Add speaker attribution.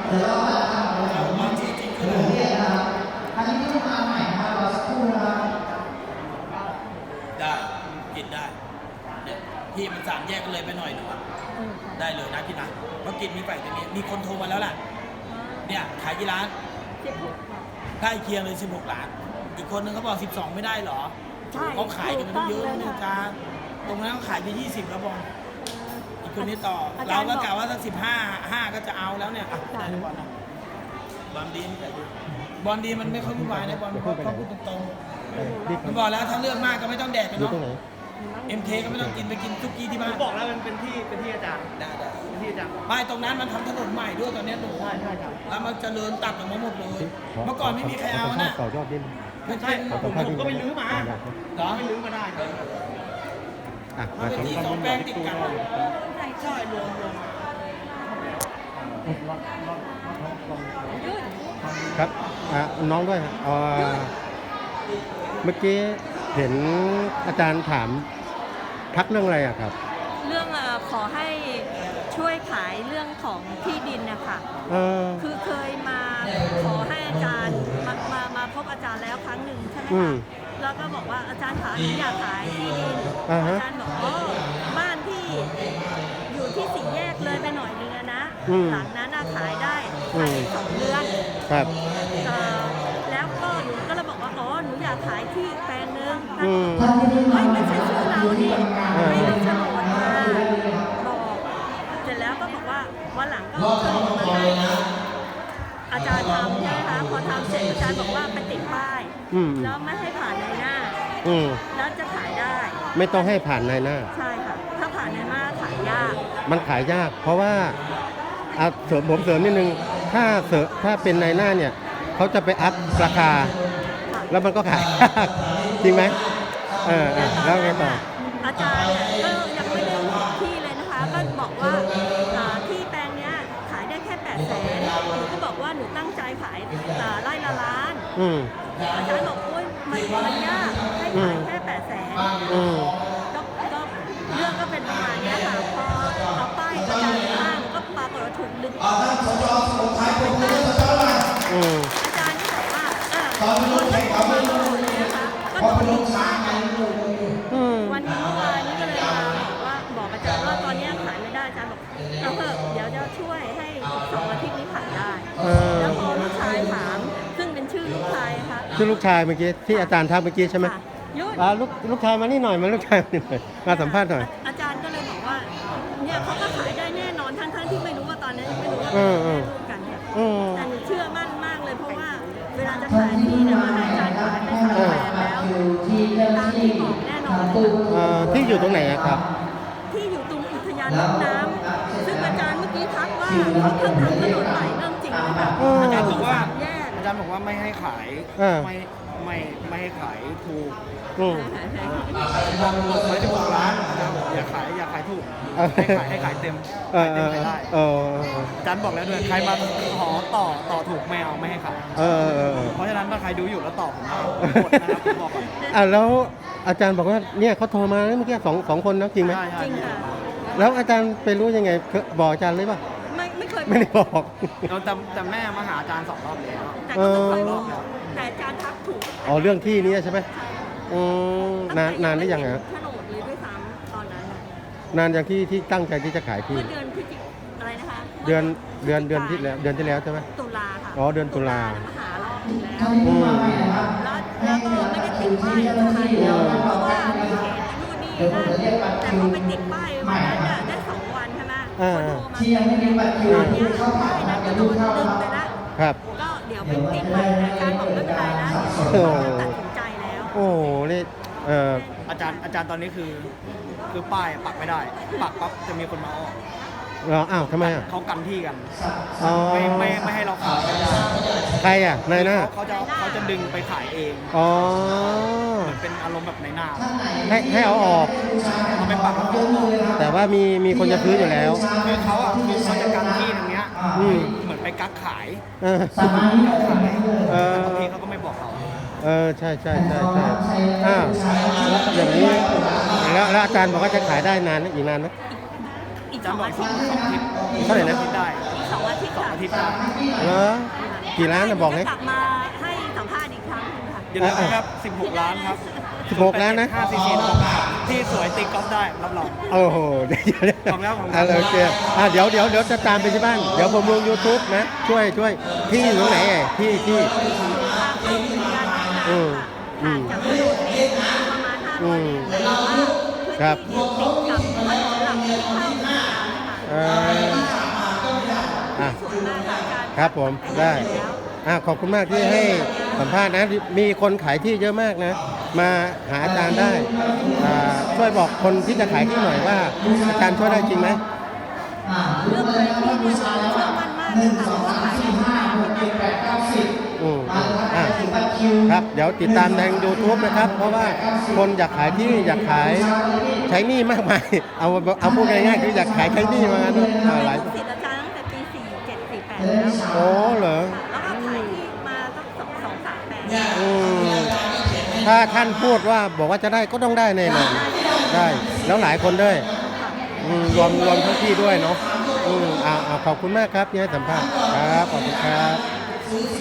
Speaker 1: เดี๋ยวเราจะทำอะไรของมันจริงๆคือเรียนนะครับอันนี้ที่มาใหม่นะครับรอสักครู่นะครับ
Speaker 2: ได้กินได้เนี่ยที่มันสามแยกกันเลยไปหน่อยหนึ่งได้เลยนะพี่นะเพราะกินมีไปจะมีคนโทรมาแล้วแหละเนี่ยขายกี่ร้านใกล้เคียงเลย16 ล้านอีกคนนึงเขาบอก12ไม่ได้หรอเขาขายกันมันเยอะนะจ๊ะตรงนั้นเขาขายไป20แล้วบอลอีกคนนี้ต่อเราก็กล่าวว่าสัก15ก็จะเอาแล้วเนี่ยได้บอลนะบอลดีบอลดีมันไม่ค่อยวุ่นวายนะบอลเขาพูดตรงๆมันบอกแล้วถ้าเลือกมากก็ไม่ต้องแดกกันเนาะMK ก็ไม่ต้องกินไปกินทุกกี้ที่บ้าน
Speaker 3: บอกแล้วมันเป็นที่อาจารย์
Speaker 2: ได้
Speaker 3: เป็นที่อาจารย์
Speaker 2: ไม่ตรงนั้นมันทำถนนใหม่ด้วยตอนนี้หนู
Speaker 3: ใช่ครับ
Speaker 2: แล้วมันเจริญตัดออกมาหมดเลยเมื่อก่อนไม่มีใครเอานะ
Speaker 4: ต่อยอดดิ้น
Speaker 3: ใช่ผมก็ไปลื้อมา
Speaker 2: เหรอ
Speaker 3: ไปลื้อมาได้
Speaker 2: มันเป็นที่2 แปลงติดกัน
Speaker 3: ใช่รวม
Speaker 4: ครับน้องด้วยเมื่อกี้เห็นอาจารย์ถามทักเรื่องอะไรอะครับ
Speaker 5: เรื่องขอให้ช่วยขายเรื่องของที่ดินนะคะคือเคยมาขอให้อาจารย์มาพบอาจารย์แล้วครั้งหนึ่งใช่ไหมคะแล้วก็บอกว่าอาจารย์ขาอยากขายที่ดินอาจารย์บอกบ้านที่อยู่ที่สี่แยกเลยไปหน่อยนึงนะหลังนั้นขายได้ภายใน2 เดือน
Speaker 4: ครับ
Speaker 5: แล้วก็หนูก็เลยบอกว่าหนูอยากขายที่แปลงนึงไม่ใช่ชื่อเราดิไม่ได้โฉนดมาบอกเสร็จแล้วก็บอกว่าวันหลังก็โฉนดมาให้อาจารย์ทำใช่ไหมคะพอทำเสร็จอาจารย์บอกว่าไปติดป้ายแล้วไม่ให้ผ่านในหน้าแล้วจะขายได้
Speaker 4: ไม่ต้องให้ผ่านในหน้า
Speaker 5: ใช่ค่ะถ้าผ่านในหน้าขายยาก
Speaker 4: มันขายยากเพราะว่าผมเสริมนิดนึงถ้าเป็นในหน้าเนี่ยเขาจะไปอัพราคาแล้วมันก็ขายยากจริงไหมแล้วไงต่อ
Speaker 5: อาจารย์ก็ยังไม่ได้บอกที่เลยนะคะก็บอกว่าที่แปลงเนี้ยขายได้แค่800,000หนูก็บอกว่าหนูตั้งใจขายไร่ละล้านอาจารย์บอกโอ๊ยมันยากให้ขายแค่800,000ก็เรื่องก็เป็นประมาณนี้ค่ะพอเอาป้ายอาจารย์ตั้งก็ปรากฏว่าถูกดึงอาจารย์ที่บอกว่าคนที่เขามาโดนเลยนะคะก็โดนดึงป้ายวันนี้เมื่อวานนี้ก็เลยมาบอกอาจารย์ว่าตอนนี้ขายไม่ได้อาจารย์บอกเอาเถอะเดี๋ยวจะช่วยให้2 อาทิตย์นี้ขายได้แล้วพอลูกชายถามซึ่งเป็นชื่อลูกชายค่ะ
Speaker 4: ชื่อลูกชายเมื่อกี้ที่อาจารย์ทักเมื่อกี้ใช่ไหมลูกชายมานี่หน่อยมาลูกชายมานี่หน่อยมาสัมภาษณ์หน่อย
Speaker 5: อาจารย์ก็เลยบอกว่าเนี่ยเขาก็ขายได้แน่นอนทั้งที่ไม่รู้ว่าตอนนี้ไม่รู้ว่าเป็นร่วมกันเนี่ยแต่หนูเชื่อมั่นมากเลยเพราะว่าเวลาจะขายที่เนี่ยมาให้อาจารย์ขายไป3 แปลงแล้วตามที่บอกแน่นอน
Speaker 4: ที่อยู่ตรงไหนครับ
Speaker 5: ที่อยู่ตรงอุทยานน้ำซึ่งอาจารย์เมื่อกี้ทักว่าเขาเพิ่งทำถนนใหม่เริ่มจริงเลยค่ะอาจารย์บอก
Speaker 3: ว่าไม่ให้ขายไม่ให้ขายถูกบอกไว้16 ล้านอย่าขายถูกให้ขายเต็มขายได้อาจารย์บอกแล้วด้วยใครมาขอต่อถูกไม่ให้ขายเพราะฉะนั้นถ้าใครดูอยู่แล้วต่อผมหมดนะครับผมบอกก่อน
Speaker 4: แล้วอาจารย์บอกว่าเนี่ยเขาโทรมาเมื่อกี้สองคนนะจริงไหม
Speaker 5: จริงค่ะ
Speaker 4: แล้วอาจารย์ไปรู้ยังไงบอกอาจารย์เลยป่ะ
Speaker 5: ไม่เคย
Speaker 4: ไม่ได้บอก
Speaker 3: แต่แม่มาหาอาจารย์2 รอบแล้ว
Speaker 5: แต่ก็ต้องเคยบอกแต่อาจารย์ทักถูก
Speaker 4: เรื่องที่นี้ใช่ไหมนานได้ยังไง
Speaker 5: โฉนดเลยด้วยซ้ำตอนนั้น
Speaker 4: นานอย่างที่ตั้งใจที่จะขายที่
Speaker 5: เดือนพฤศจิกอะไรนะคะ
Speaker 4: เดือนที่แล้วใช่ไหม
Speaker 5: ตุลาค่ะ
Speaker 4: เดือนตุลา
Speaker 5: มาหารอบแล้วก็ไม่ได้ติดป้ายอะไรเพราะว่ามีเหตุนู่นนี่นั่นแต่พอไปติดป้ายวันนั้นได้2 วันใช่ไหมคนโทรมาตอนนี้ป้ายนั้นก็โดนดึงไปแล้วก็เดี๋ยวไปติดใหม่อาจารย์บอกไม่เป็นไรนะตัดสินใจแล้ว
Speaker 4: โอ้นี่
Speaker 3: อาจารย์ตอนนี้คือป้ายปักไม่ได้ปักปั๊บจะมีคนมาออก
Speaker 4: อ้าวทำไม
Speaker 3: เขากันที่กันไม่ให้เราขาย
Speaker 4: ใครนายหน้า
Speaker 3: เขาจะดึงไปขายเองเหมือนเป็นอารมณ์แบบในหน้า
Speaker 4: ให้เอาออก
Speaker 3: เขาไม่ปัก
Speaker 4: แต่ว่ามีคนจะซื้ออยู่แล้ว
Speaker 3: คือเขาจะกันที่ตรงเนี้ยเหมือนไปกักขายบางทีเขาก็ไม่บอกเรา
Speaker 4: ใช่อย่างนี้แล้วอาจารย์บอกว่าจะขายได้นานอีกนานไหม
Speaker 5: อีก2 อาทิตย์
Speaker 4: เท่าไหร่นะ
Speaker 5: 2 อาทิตย์ค่ะ
Speaker 3: อาทิตย์หน้า
Speaker 4: เหรอกี่ล้านนะบอกเลย
Speaker 5: จะกลับมาให้สัมภาษณ์อีกครั้งหนึงค่ะ
Speaker 3: อย่าลืมนะครับ16 ล้านครับ
Speaker 4: 16 ล้านนะ
Speaker 3: 5 cc ที่สวยตีกอล์ฟได้รับรอง
Speaker 4: โอ้โหเดี๋ยว
Speaker 3: ขอบคุณครับขอบคุณครับ
Speaker 4: โอเคเดี๋ยวจะตามไปที่บ้าน เดี๋ยวผมลง YouTube นะ ช่วยพี่อยู่ตรงไหนที่อืมอืม
Speaker 5: จากถนนนี้ประมาณ500
Speaker 4: อืม
Speaker 5: เมตรแต่ว่า
Speaker 4: ครับ
Speaker 5: พื้นที่ติดกับถนนหลักที่เข้าเมืองนะคะ
Speaker 4: อ่ะ
Speaker 5: ส่วนมากค่ะการ
Speaker 4: ครับผมได้ขอบคุณมากที่ให้สัมภาษณ์นะ มีคนขายที่เยอะมากนะ มาหาอาจารย์ได้ช่วยบอกคนที่จะขายที่หน่อยว่าอาจารย์ช่วยได้จริงไหม
Speaker 5: เรื่องขายที่เนี่ยเชื่อมั่นมากเลยค่ะเพราะว่าขายที่ไหน
Speaker 4: ครับเดี๋ยวติดตามใน YouTube นะครับ เพราะว่าคนอยากขายที่อยากขายใช้หนี้มากมาย เอาพูดง่ายๆคืออยากขายใช้หนี้มาหลาย
Speaker 5: ลูกศิษย์อาจารย์ตั้งแต่ปี 47 48 แล้ว
Speaker 4: โอ้เหรอ
Speaker 5: แล้วก็ขายที่มาสัก2-3 แปลง
Speaker 4: ถ้าท่านพูดว่าบอกว่าจะได้ก็ต้องได้แน่นอนได้แล้วหลายคนด้วยรวมทั้งที่ด้วยเนาะขอบคุณมากครับที่ให้สัมภาษณ์ครับขอบคุณครับ